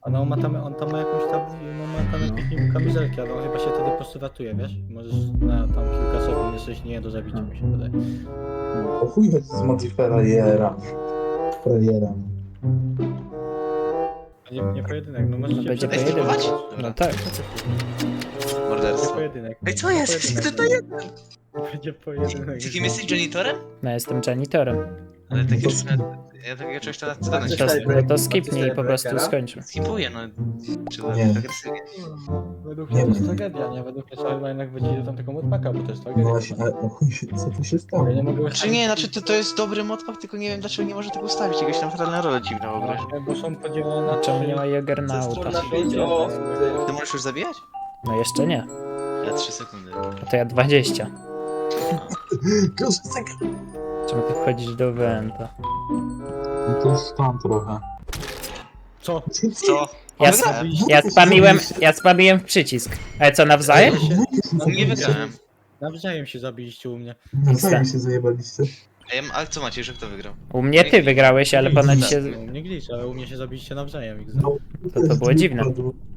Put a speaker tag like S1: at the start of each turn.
S1: Ale on tam ma jakąś tam, no, ma tam jakąś niby kamizelki, ale on chyba się wtedy po prostu ratuje, wiesz? Możesz na tam kilka sekund jesteś nie do zabicia, mi się wydaje.
S2: O chuj chodzi z multifrajera. Frajera.
S1: Nie pojedynek, no możecie
S3: będzie
S1: przetestować.
S3: pojedynek.
S4: Dobra.
S3: No tak.
S1: Będzie
S4: Morderstwo.
S1: pojedynek.
S4: Ej, co jest?
S1: Pojedynek
S4: Kto to jest?
S1: Będzie pojedynek.
S4: Czy kim jesteś janitorem?
S3: No jestem janitorem.
S4: Ale takie
S2: To
S4: ja takiego czegoś to na
S3: To,
S4: scenę
S3: to skipnij i po prostu skończył.
S4: skipuję, no. Czy
S2: Nie.
S4: agresywnie?
S1: Według
S2: Nie
S1: mnie to jest
S2: wiem.
S1: tragedia, nie? Według mnie trzeba jednak wrócić do tamtego modpaka, bo to jest
S2: No
S1: tragedia.
S2: właśnie, ale o chuj, co tu się stało?
S1: Ja nie mogę
S4: Znaczy nie, to jest dobry modpack, tylko nie wiem dlaczego nie może tego ustawić, jakaś tam fatalna rola dziwna w ogóle.
S1: Właśnie, bo są podzielone na
S3: Czemu nie ma Juggernauta?
S4: Ty możesz już zabijać?
S3: No jeszcze nie.
S4: Ja 3 sekundy.
S3: A to ja 20.
S2: Proszę sekret.
S3: Czemu ty wchodzisz do Wenta?
S2: No to jest tam trochę.
S1: Co?
S4: Co?
S3: Ja,
S4: O, wygrałem.
S3: ja spamiłem w przycisk. Ale co, nawzajem?
S4: U mnie wygrałem.
S1: Nawzajem się zabiliście u mnie.
S2: Nawzajem się zajebaliście.
S4: A co macie, że kto wygrał?
S3: U mnie ty wygrałeś, ale ponoć się...
S1: U mnie glitch, ale u mnie się zabiliście nawzajem.
S2: No,
S3: To było dziwne.
S2: wypadło.